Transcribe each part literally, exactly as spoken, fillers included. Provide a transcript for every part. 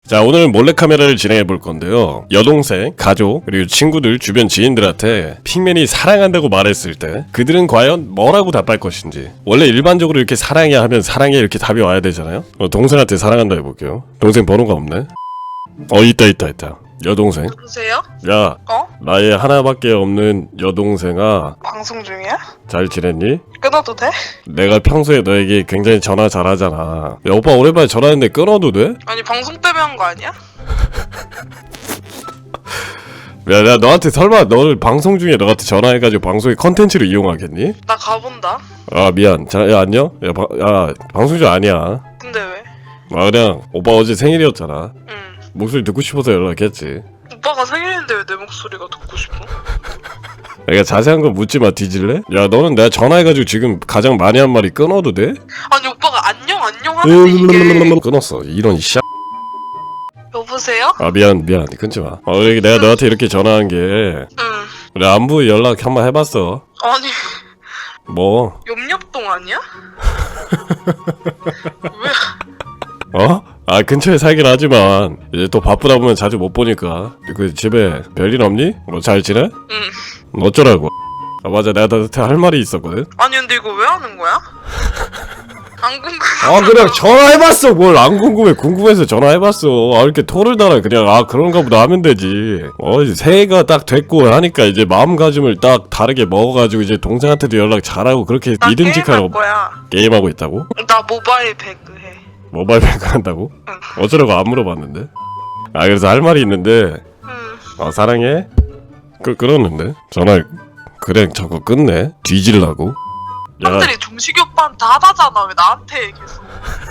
자, 오늘 몰래카메라를 진행해 볼 건데요. 여동생, 가족, 그리고 친구들, 주변 지인들한테 핑맨이 사랑한다고 말했을 때 그들은 과연 뭐라고 답할 것인지. 원래 일반적으로 이렇게 사랑해 하면 사랑해 이렇게 답이 와야 되잖아요. 어, 동생한테 사랑한다 해볼게요. 동생 번호가 없네. 어, 있다 있다 있다. 여동생. 누구세요? 야, 어? 나의 하나밖에 없는 여동생아, 방송 중이야? 잘 지냈니? 끊어도 돼? 내가 평소에 너에게 굉장히 전화 잘하잖아. 야, 오빠 오랜만에 전화했는데 끊어도 돼? 아니 방송 때문에 한 거 아니야? 야, 내가 너한테 설마 너를 방송 중에 너한테 전화해가지고 방송의 컨텐츠로 이용하겠니? 나 가본다. 아, 미안. 자, 야, 안녕? 야, 바, 야, 방송 중 아니야. 근데 왜? 아, 그냥 오빠 어제 생일이었잖아. 응. 목소리 듣고 싶어서 연락했지. 오빠가 생일인데 왜 내 목소리가 듣고 싶어? 내가 자세한 거 묻지 마. 뒤질래? 야, 너는 내가 전화해가지고 지금 가장 많이 한 말이 끊어도 돼? 아니 오빠가 안녕 안녕 하는데 이게 끊었어. 이런 씨. 여보세요? 아, 미안, 미안. 끊지 마. 어, 이렇게 내가 너한테 이렇게 전화한 게 응. 그래, 안부 연락 한번 해봤어. 아니 뭐? 염렵동 아니야? 왜? 어? 아, 근처에 살긴 하지만 이제 또 바쁘다 보면 자주 못 보니까. 그 집에 별일 없니? 뭐 잘 지내? 응. 어쩌라고? 아, 맞아, 내가 너한테 할 말이 있었거든. 아니 근데 이거 왜 하는 거야? 안 궁금해. 아, 그냥 전화해봤어. 뭘 안 궁금해. 궁금해서 전화해봤어. 아, 이렇게 토를 달아. 그냥 아 그런가 보다 하면 되지. 어, 이제 새해가 딱 됐고 하니까 이제 마음가짐을 딱 다르게 먹어가지고 이제 동생한테도 연락 잘하고 그렇게 나 믿음직하라고. 게임할 거야. 게임하고 있다고? 나 모바일 배그 해. 모바일 뱅크 한다고? 응. 어쩌라고 안 물어봤는데? 아, 그래서 할 말이 있는데. 응. 어, 사랑해? 끄, 끊었는데? 전화 그래 저거 끝내? 뒤질라고? 야, 사람들이 종식이 오빠한테 하다잖아. 왜 나한테 얘기했어?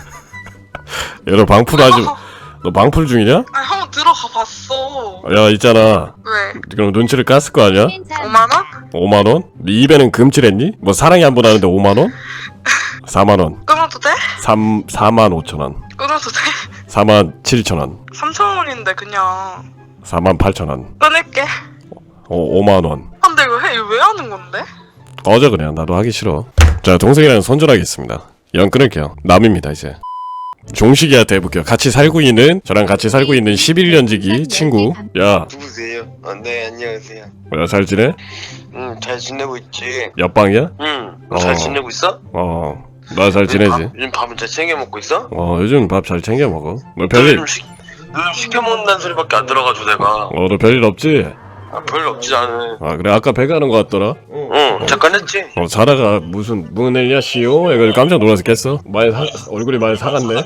야, 너 방풀 하지. 너 방풀 중이냐? 아니 한번 들어가 봤어. 야, 있잖아. 왜? 그럼 눈치를 깠을 거 아니야? 오만 원? 오만 원? 네 입에는 금칠했니? 뭐 사랑이 한 번 하는데 오만 원? 사만 원. 끊어도 돼? 삼, 사만 오천 원. 끊어도 돼? 사만 칠천 원. 삼천 원인데 그냥 사만 팔천 원. 끊을게. 어, 오만 원. 아, 근데 이거 해? 이거 왜 하는 건데? 꺼져 그냥. 나도 하기 싫어. 자, 동생이랑 손절하겠습니다. 연 끊을게요. 남입니다 이제. 종식이한테 해볼게요. 같이 살고 있는, 저랑 같이 살고 있는 십일 년지기 친구. 야, 누구세요? 어, 네, 안녕하세요. 야, 잘 지내? 응, 잘 지내고 있지. 옆방이야? 응, 어. 잘 지내고 있어? 어, 나 잘 지내지? 밥, 요즘 밥은 잘 챙겨 먹고 있어? 어, 요즘 밥 잘 챙겨 먹어. 너 너 별일, 요즘 시, 너 요즘 시켜 먹는다는 소리밖에 안 들어가지고 내가. 어, 너 별일 없지? 아, 별로 없지 않은. 아, 그래. 아까 배가 하는 거 같더라? 응, 잠깐 했지. 어, 자다가 무슨 문을야 시오? 이거 깜짝 놀라서 깼어. 많이 사, 얼굴이 많이 사갔네.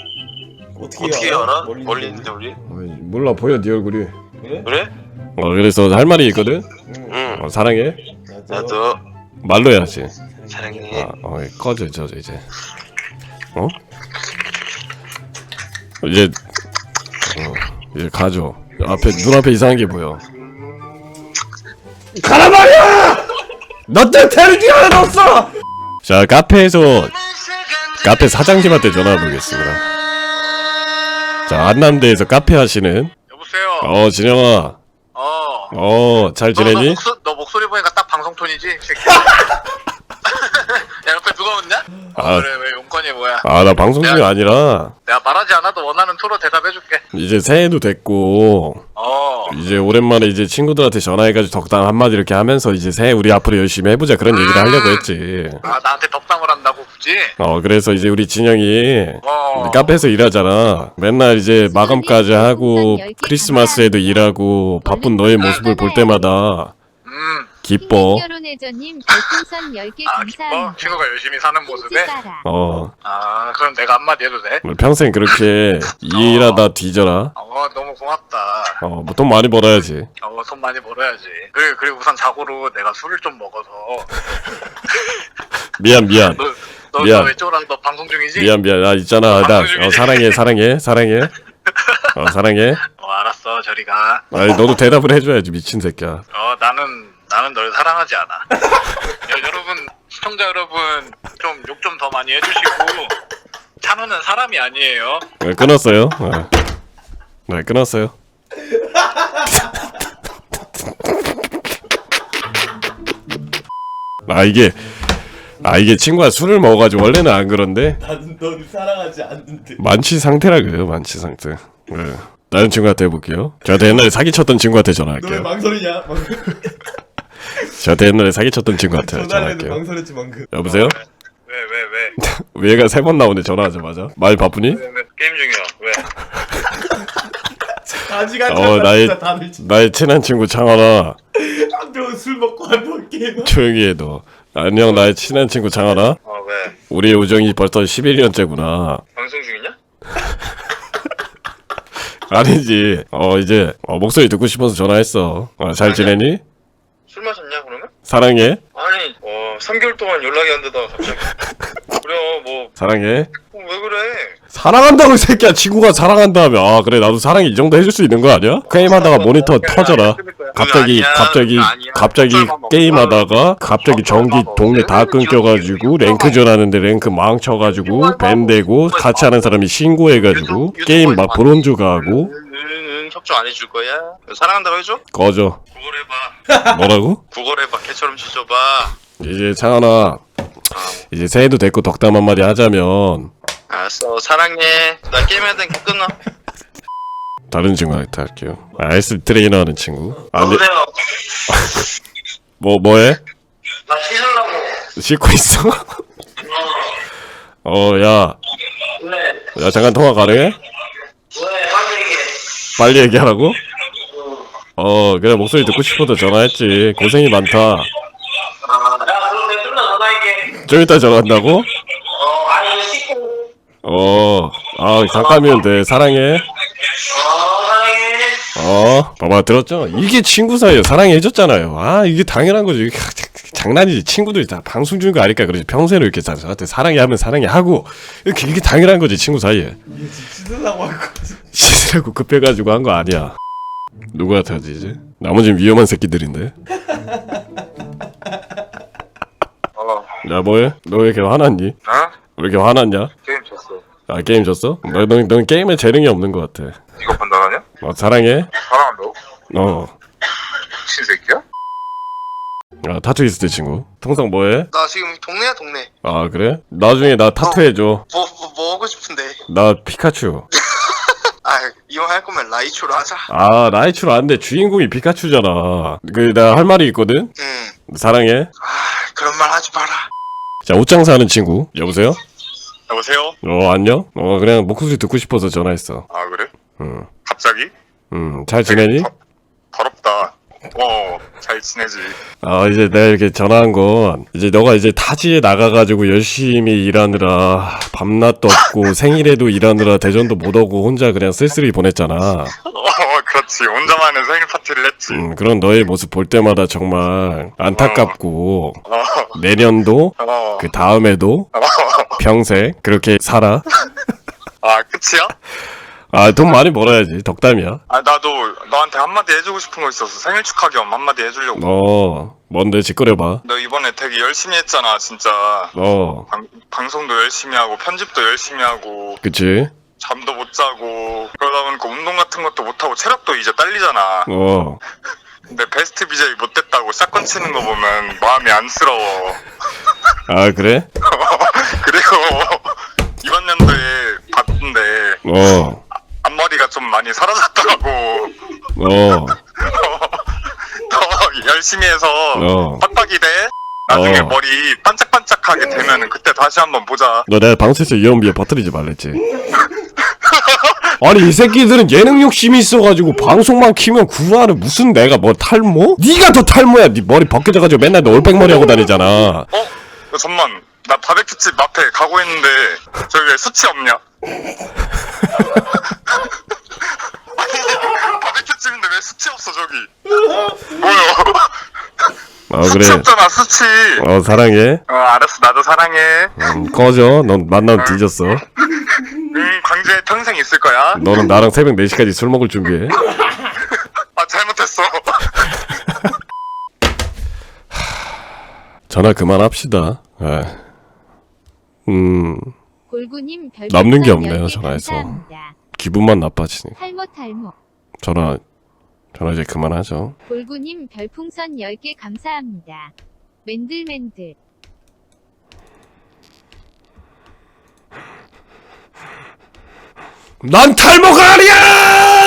어떻게 알아? 멀리 있는데 우리? 어이, 몰라, 보여 네 얼굴이. 그래? 어, 그래서 할 말이 있거든. 응, 어, 사랑해. 나도 말로 해야지. 사랑해. 아, 어, 꺼져, 저, 저 이제. 어? 이제, 어, 이제 가죠. 앞에 눈앞에 이상한 게 보여. 가라 말이야! 너 때문에 테레비 하나 넣었어! 자, 카페에서 카페 사장님한테 전화 보겠습니다. 자, 안남대에서 카페 하시는. 여보세요. 어, 진영아. 어. 어, 잘 너, 너, 지내니? 목소, 너 목소리 보니까 딱 방송 톤이지? 이 새끼. 야, 옆에 누가 웃냐? 어, 아. 그래, 왜 용건이 뭐야? 아, 나 방송 중이 아니라 내가 말하지 않아도 원하는 토로 대답해줄게. 이제 새해도 됐고 어. 이제 오랜만에 이제 친구들한테 전화해가지고 덕담 한마디 이렇게 하면서 이제 새해 우리 앞으로 열심히 해보자 그런 얘기를 하려고 했지. 아, 나한테 덕담을 한다고 굳이? 어, 그래서 이제 우리 진영이 어. 우리 카페에서 일하잖아. 맨날 이제 마감까지 하고 크리스마스에도 일하고 바쁜 너의 모습을 볼 때마다 음. 기뻐. 결혼해줘님 별풍선 열 개 아, 기뻐? 감사합니다. 친구가 열심히 사는 모습에? 어, 아, 그럼 내가 한마디 해도 돼? 평생 그렇게 일하다 뒤져라. 어, 너무 고맙다. 어, 뭐 돈 많이 벌어야지. 어, 돈 많이 벌어야지. 그리고, 그리고 우선 자고로 내가 술을 좀 먹어서. 미안, 미안. 너, 너, 미안. 너왜 쫄아? 너 방송 중이지? 미안, 미안. 나 있잖아. 나 어, 사랑해, 사랑해, 사랑해. 어, 사랑해. 어, 알았어. 저리 가. 아니, 너도 대답을 해줘야지, 미친 새끼야. 어, 나는 나는 널 사랑하지 않아. 여, 여러분, 시청자 여러분, 좀 욕 좀 더 많이 해주시고, 찬우는 사람이 아니에요. 네, 끊었어요. 네, 네 끊었어요. 아, 이게 아 이게 친구가 술을 먹어가지고 원래는 안 그런데 나는 너를 사랑하지 않는데. 만취 상태라 그래요. 만취 상태. 네. 다른 친구한테 해볼게요. 저한테 옛날에 사기쳤던 친구한테 너 왜 전화할게요. 망설이냐? 저한테 옛날에 사기쳤던 친구한테 전화를 해도 전화할게요. 망설였지 방금. 여보세요? 왜 왜 왜? 얘가 세 번 나오네 전화하자마자. 말 바쁘니? 왜, 왜? 게임 중이야. 왜? 아직 안 어, 잤다 나의- 진짜 다들 진짜. 나의 친한 친구 장하나. 한병 술 먹고 한병 게임. 조용히 해 너. 안녕 나의 친한 친구 장하나. 어 왜? 우리의 우정이 벌써 십일 년째구나. 방송 중이냐? 아니지. 어 이제 어, 목소리 듣고 싶어서 전화했어. 어, 잘 지내니? 술 마셨냐 그러면? 사랑해. 아니 어 삼 개월 동안 연락이 안 되다가 갑자기 그래 뭐 사랑해. 어, 왜 그래? 사랑한다고 이 새끼야. 친구가 사랑한다며. 아 그래 나도 사랑이 이 정도 해줄 수 있는 거 아니야? 게임하다가 모니터 터져라. 갑자기 아니야, 갑자기 그거 아니야. 갑자기 술 먹고 게임하다가 갑자기 전기 동네 다 끊겨가지고 랭크전 하는데 랭크 망쳐가지고 밴 되고 같이 하는 사람이 신고해가지고 게임 막 브론즈 가고 응응 협조 안 해줄 거야? 사랑한다고 해줘? 꺼져. 구걸 해봐. 뭐라고? 구걸 해봐. 개처럼 지져봐. 이제 창하나 이제 새해도 됐고 덕담 한마디 하자면 알았어 사랑해. 나 게임해야 되니까 끊어. 다른 친구한테 할게요. 아이스 트레이너 하는 친구. 아, 근데 여보세요. 뭐 뭐해? 나 씻으려고. 씻고 있어? 어, 야, 왜? 야 잠깐 통화 가능해? 왜? 빨리 얘기해. 빨리 얘기하라고? 어, 그래 목소리 듣고 싶어서 전화했지. 고생이 많다. 아, 야 그럼 내가 끝나 전화할게. 좀 이따 전화한다고? 어 아니 씻고. 어, 아 잠깐이면 돼. 사랑해. 어 사랑해. 어, 봐봐 들었죠? 이게 친구 사이에 사랑해 해줬잖아요. 아 이게 당연한 거지. 이게 장난이지. 친구들이 다 방송 중인 거 아니까 그러지. 평소에는 이렇게 다 저한테 사랑해 하면 사랑해 하고 이렇게 이게 당연한 거지 친구 사이에. 이게 씻으려고 할 거. 씻으라고 급해가지고 한 거 아니야. 누구한테 하지 이제? 나머지는 위험한 새끼들인데. 어. 야 뭐해? 너 왜 이렇게 화났니? 어? 왜 이렇게 화났냐? 게임 쳤어. 아 게임 졌어? 너, 너, 넌 게임에 재능이 없는 것 같아. 이거 판단하냐? 어, 사랑해? 사랑한다고? 어. 미친 새끼야? 아 타투이스트 친구. 통상 뭐해? 나 지금 동네야 동네. 아 그래? 나중에 나 타투 해줘. 뭐, 뭐, 뭐 하고 싶은데. 나 피카츄. 아 이왕 할 거면 라이초로 하자. 아 라이츄로 안 돼. 주인공이 피카츄잖아. 그 나 할 말이 있거든. 응. 사랑해. 아 그런 말 하지 마라. 자 옷장사 하는 친구. 여보세요? 여보세요? 어 안녕? 어 그냥 목소리 듣고 싶어서 전화했어. 아 그래? 응. 갑자기? 응. 잘 지내니? 더, 더럽다. 어, 잘 지내지. 아 이제 내가 이렇게 전화한 건 이제 너가 이제 타지에 나가가지고 열심히 일하느라 밤낮도 없고 생일에도 일하느라 대전도 못 오고 혼자 그냥 쓸쓸히 보냈잖아. 어, 그렇지. 혼자만의 생일 파티를 했지. 음, 그런 너의 모습 볼 때마다 정말 안타깝고 어, 내년도 어, 그 다음에도 어. 평생 그렇게 살아. 아, 끝이야? 아 돈 많이 벌어야지 덕담이야. 아, 나도 너한테 한마디 해주고 싶은 거 있어서 생일 축하 겸 한마디 해주려고. 어 뭔데 짓거려봐. 너 이번에 되게 열심히 했잖아, 진짜. 어 방, 방송도 열심히 하고, 편집도 열심히 하고, 그치. 잠도 못 자고, 그러다 보니까 운동 같은 것도 못하고, 체력도 이제 딸리잖아. 어 근데 베스트 비제이 못 됐다고 샷건 치는 거 보면 마음이 안쓰러워. 아 그래? 그리고 이번 연도에 봤는데 어 앞머리가 좀 많이 사라졌더라고. 어. 더 열심히 해서 어. 빡빡이 돼. 나중에 어. 머리 반짝반짝하게 되면은 그때 다시 한번 보자. 너 내가 방송에서 이연비에 버뜨리지 말랬지. 아니 이 새끼들은 예능 욕심이 있어가지고 방송만 키면 구하는 무슨 내가 뭐 탈모? 네가 더 탈모야. 네 머리 벗겨져가지고 맨날 너 올백머리 하고 다니잖아. 어? 야, 잠만. 나 바베큐집 앞에 가고 있는데 저기 왜 수치 없냐? 아니 바베큐집인데 왜 수치 없어 저기? 뭐야? 아 수치 그래. 없잖아 수치. 어 사랑해. 어 알았어 나도 사랑해. 음, 꺼져. 넌 만나면 뒤졌어. 응 광주에 평생 있을 거야. 너는 나랑 새벽 네 시까지 술 먹을 준비해. 아 잘못했어. 전화 그만합시다. 에. 음 골구님 별 남는 게 별풍선 없네요, 열 개 전화해서. 감사합니다. 기분만 나빠지니. 탈모 탈모. 전화 전화 이제 그만하죠. 골구님 별풍선 열 개 감사합니다. 맨들맨들. 난 탈모가 아니야!